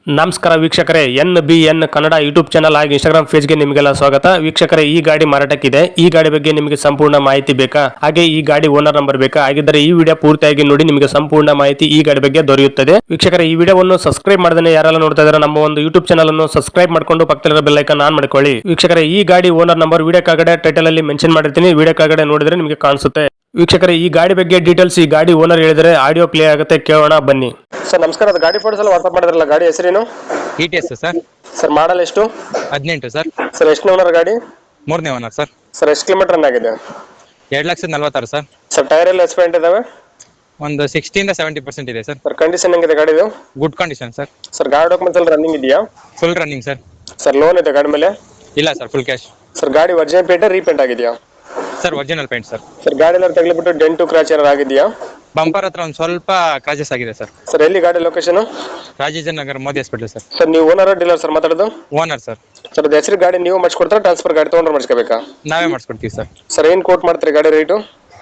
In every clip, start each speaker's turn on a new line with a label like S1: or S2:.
S1: ನಮಸ್ಕಾರ ವೀಕ್ಷಕರೇ, NBN Kannada YouTube channel ಹಾಗೂ ಇನ್ಸ್ಟಾಗ್ರಾಮ್ ಪೇಜ್ಗೆ ನಿಮಗೆಲ್ಲ ಸ್ವಾಗತ. ವೀಕ್ಷಕರೇ, ಈ ಗಾಡಿ ಮಾರಾಟಕ್ಕಿದೆ. ಈ ಗಾಡಿ ಬಗ್ಗೆ ನಿಮಗೆ ಸಂಪೂರ್ಣ ಮಾಹಿತಿ ಬೇಕಾ? ಹಾಗೆ ಈ ಗಾಡಿ ಓನರ್ ನಂಬರ್ ಬೇಕಾ? ಹಾಗಿದ್ದರೆ ಈ ವಿಡಿಯೋ ಪೂರ್ತಿಯಾಗಿ ನೋಡಿ, ನಿಮಗೆ ಸಂಪೂರ್ಣ ಮಾಹಿತಿ ಈ ಗಾಡಿ ಬಗ್ಗೆ ದೊರೆಯುತ್ತದೆ. ವೀಕ್ಷಕರೇ, ಈ ವಿಡಿಯೋವನ್ನು ಸಬ್ಸ್ಕ್ರೈಬ್ ಮಾಡದೇ ಯಾರೆಲ್ಲ ನೋಡ್ತಾ ಇದ್ದಾರೆ ನಮ್ಮ ಒಂದು ಯೂಟ್ಯೂಬ್ ಚಾನಲ್ ಅನ್ನು ಸಬ್ಸ್ಕ್ರೈಬ್ ಮಾಡ್ಕೊಂಡು ಪಕ್ಕದಲ್ಲಿರೋ ಬೆಲ್ ಐಕಾನ್ ಆನ್ ಮಾಡ್ಕೊಳ್ಳಿ. ವೀಕ್ಷಕರೇ, ಈ ಗಾಡಿ ಓನರ್ ನಂಬರ್ ವಿಡಿಯೋ ಕೆಳಗಡೆ ಟೈಟಲ್ ಅಲ್ಲಿ ಮೆನ್ಷನ್ ಮಾಡಿರ್ತೀನಿ, ವಿಡಿಯೋ ಕೆಳಗಡೆ ನೋಡಿದ್ರೆ ನಿಮಗೆ ಕಾಣಿಸುತ್ತೆ. ವೀಕ್ಷಕರೇ, ಈ ಗಾಡಿ ಬಗ್ಗೆ ಡೀಟೇಲ್ಸ್ ಈ ಗಾಡಿ ಓನರ್ ಹೇಳಿದರೆ ಆಡಿಯೋ ಪ್ಲೇ ಆಗುತ್ತೆ, ಕೇಳೋಣ ಬನ್ನಿ. ಸರ್ ನಮಸ್ಕಾರ, ಅದು ಗಾಡಿ ಫೋಟೋಸ್ ಎಲ್ಲ ವಾಟ್ಸ್ಆಪ್ ಮಾಡಿದ್ರಲ್ಲ, ಗಾಡಿ ಹೆಸರೇನು?
S2: ETS sir.
S1: ಸರ್ ಮಾಡಲ್ ಎಷ್ಟು?
S2: 18 ಸರ್.
S1: ಸರ್ ಎಷ್ಟು ಓನರ್ ಗಾಡಿ?
S2: ಮೂರನೇ ಓನರ್ ಸರ್.
S1: ಸರ್ ಎಷ್ಟು ಕಿಲೋಮೀಟರ್ ರನ್ ಆಗಿದೆ?
S2: 2,46,000 ಸರ್.
S1: ಸರ್ ಟೈರ್ ಎಲ್ಲ ಎಕ್ಸ್ಪೆಂಟ್ ಇದಾವೆ?
S2: ಒಂದು 60 ಇಂದ 70% ಇದೆ ಸರ್.
S1: ಸರ್ ಕಂಡೀಷನ್ ಹೆಂಗಿದೆ ಗಾಡಿದು?
S2: Good condition sir.
S1: ಸರ್ ಗಾಡಿ ಡಾಕ್ಯುಮೆಂಟ್ಸ್ ಎಲ್ಲ ರನ್ನಿಂಗ್ ಇದೆಯಾ?
S2: Full running sir.
S1: Sir loan ಇದೆ ಗಾಡಿ ಮೇಲೆ?
S2: ಇಲ್ಲ ಸರ್, ಫುಲ್ ಕ್ಯಾಶ್.
S1: ಸರ್ ಗಾಡಿ ಒರಿಜಿನಲ್ ಪೇಂಟ್ ರೀಪೇಂಟ್ ಆಗಿದೆಯಾ?
S2: Sir original paint sir.
S1: Sir ಗಾಡಿ ಎಲ್ಲ ತಗಲಿಬಿಟ್ಟು ಡೆಂಟು ಕ್ರಾಚ್ ಏನಾರು ಆಗಿದೆಯಾ?
S2: ಬಂಪರ್ ಹತ್ರ ಒಂದು ಸ್ವಲ್ಪ ಕ್ರಾಚಸ್ ಆಗಿದೆ ಸರ್.
S1: ಸರ್ ಎಲ್ಲಿ ಗಾಡಿ location?
S2: Rajendra Nagar Modi hospital sir.
S1: Sir ನೀವು ಓನರ್ ಡೀಲರ್ ಸರ್ ಮಾತಾಡೋದು?
S2: Owner sir.
S1: ಸರ್ ಅದು ಹೆಸರು ಗಾಡಿ ನೀವು ಮಾಡಿಸ್ಕೊಡ್ತಾರೆ, ಟ್ರಾನ್ಸ್ಫರ್ ಗಾಡಿ ತೊಗೊಂಡ್ರೆ ಮಾಡಿಸ್ಕೋಬೇಕಾ?
S2: ನಾವೇ ಮಾಡಿಸ್ಕೊಡ್ತೀವಿ ಸರ್.
S1: ಸರ್ ಏನು ಕೋಟ್ ಮಾಡ್ತೀರಿ ಗಾಡಿ ರೇಟು?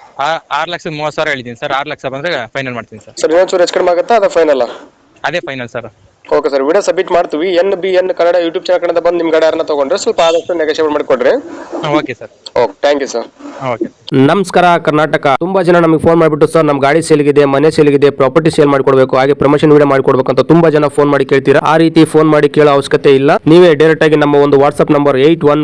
S2: 6,30,000 ಹೇಳಿದ್ದೀನಿ ಸರ್. 6 ಲಕ್ಷ ಬಂದರೆ ಫೈನಲ್ ಮಾಡ್ತೀನಿ ಸರ್.
S1: ಸರ್ ಇನ್ನೊಂದು ಚೂರು ಹೆಚ್ಚು ಕಡಿಮೆ ಆಗುತ್ತಾ, ಅದು ಫೈನಲ್?
S2: ಅದೇ final sir.
S1: Okay sir, video submit ಮಾಡ್ತೀವಿ. NBN ಕನ್ನಡ ಯೂಟ್ಯೂಬ್ ಚಾನಲ್ ಕಡೆಯಿಂದ ಬಂದು ನಿಮ್ಮ ಗಾಡಿ ಯಾರನ್ನ ತೊಗೊಂಡ್ರೆ ಸ್ವಲ್ಪ ಆದಷ್ಟು ನೆಗೋಷಿಯೇಟ್ ಮಾಡಿಕೊಡ್ರಿ.
S2: Okay sir.
S1: Okay, thank you sir.
S2: Okay.
S1: ನಮಸ್ಕಾರ ಕರ್ನಾಟಕ. ತುಂಬಾ ಜನ ನಮಗೆ ಫೋನ್ ಮಾಡಿಬಿಟ್ಟು ಸರ್ ನಮ್ಮ ಗಾಡಿ ಸೇಲ್ಗಿದೆ, ಮನೆ ಸೇಲ್ಗಿದೆ, ಪ್ರಾಪರ್ಟಿ ಸೇಲ್ ಮಾಡ್ಕೊಡ್ಬೇಕು, ಹಾಗೆ ಪ್ರಮೋಷನ್ ವಿಡಿಯೋ ಮಾಡ್ಕೊಡ್ಬೇಕು ಅಂತ ತುಂಬಾ ಜನ ಫೋನ್ ಮಾಡಿ ಕೇಳ್ತೀರಾ. ಆ ರೀತಿ ಫೋನ್ ಮಾಡಿ ಕೇಳೋ ಅವಶ್ಯಕತೆ ಇಲ್ಲ. ನೀವೇ ಡೈರೆಕ್ಟ್ ಆಗಿ ನಮ್ಮ ಒಂದು ವಾಟ್ಸ್ಆಪ್ ನಂಬರ್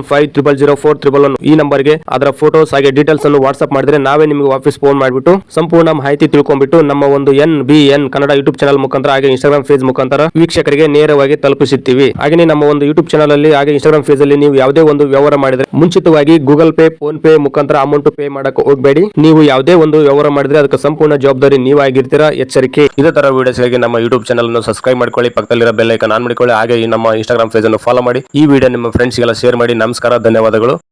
S1: 81500411 ಈ ನಂಬರ್ಗೆ ಅದರ ಫೋಟೋಸ್ ಹಾಗೆ ಡೀಟೇಲ್ಸ್ ಅನ್ನು ವಾಟ್ಸ್ಆಪ್ ಮಾಡಿದ್ರೆ ನಾವೇ ನಿಮಗೆ ವಾಪಸ್ ಫೋನ್ ಮಾಡಿಬಿಟ್ಟು ಸಂಪೂರ್ಣ ಮಾಹಿತಿ ತಿಳ್ಕೊಂಡ್ಬಿಟ್ಟು ನಮ್ಮ ಒಂದು NBN ಕನ್ನಡ ಯೂಟ್ಯೂಬ್ ಚಾನಲ್ ಮುಖಾಂತರ ಹಾಗೆ ಇನ್ಸ್ಟಾಗ್ರಾಮ್ ಪೇಜ್ ಮುಖಾಂತರ ವೀಕ್ಷಕರಿಗೆ ನೇರವಾಗಿ ತಲುಪಿಸುತ್ತೀವಿ. ಹಾಗೆ ನಮ್ಮ ಒಂದು ಯೂಟ್ಯೂಬ್ ಚಾನಲ್ ಅಲ್ಲಿ ಹಾಗೆ ಇನ್ಸ್ಟಾಗ್ರಾಮ್ ಪೇಜ್ ಅಲ್ಲಿ ನೀವು ಯಾವುದೇ ಒಂದು ವ್ಯವಹಾರ ಮಾಡಿದ್ರೆ ಮುಂಚಿತವಾಗಿ ಗೂಗಲ್ ಪೇ, ಫೋನ್ ಪೇ ಮುಖಾಂತರ ಅಮೌಂಟ್ ಪೇ ಮಾಡಕ್ಕೆ ಹೋಗಬೇಡಿ. ನೀವು ಯಾವುದೇ ಒಂದು ವ್ಯವಹಾರ ಮಾಡಿದ್ರೆ ಅದಕ್ಕೆ ಸಂಪೂರ್ಣ ಜವಾಬ್ದಾರಿ ನೀವಾಗಿರ್ತೀರಾ, ಎಚ್ಚರಿಕೆ. ಇದೇ ತರ ವಿಡಿಯೋಸ್ಗಾಗಿ ನಮ್ಮ ಯೂಟ್ಯೂಬ್ ಚಾನಲ್ ಅನ್ನು ಸಬ್ಸ್ಕ್ರೈಬ್ ಮಾಡ್ಕೊಳ್ಳಿ, ಪಕ್ಕದಲ್ಲಿರೋ ಬೆಲ್ ಐಕಾನ್ ಆನ್ ಮಾಡಿಕೊಳ್ಳಿ, ಹಾಗೆ ನಮ್ಮ ಇನ್ಸ್ಟಾಗ್ರಾಮ್ ಪೇಜ್ ಅನ್ನು ಫಾಲೋ ಮಾಡಿ. ಈ ವಿಡಿಯೋ ನಿಮ್ಮ ಫ್ರೆಂಡ್ಸ್ಗೆಲ್ಲ ಶೇರ್ ಮಾಡಿ. ನಮಸ್ಕಾರ, ಧನ್ಯವಾದಗಳು.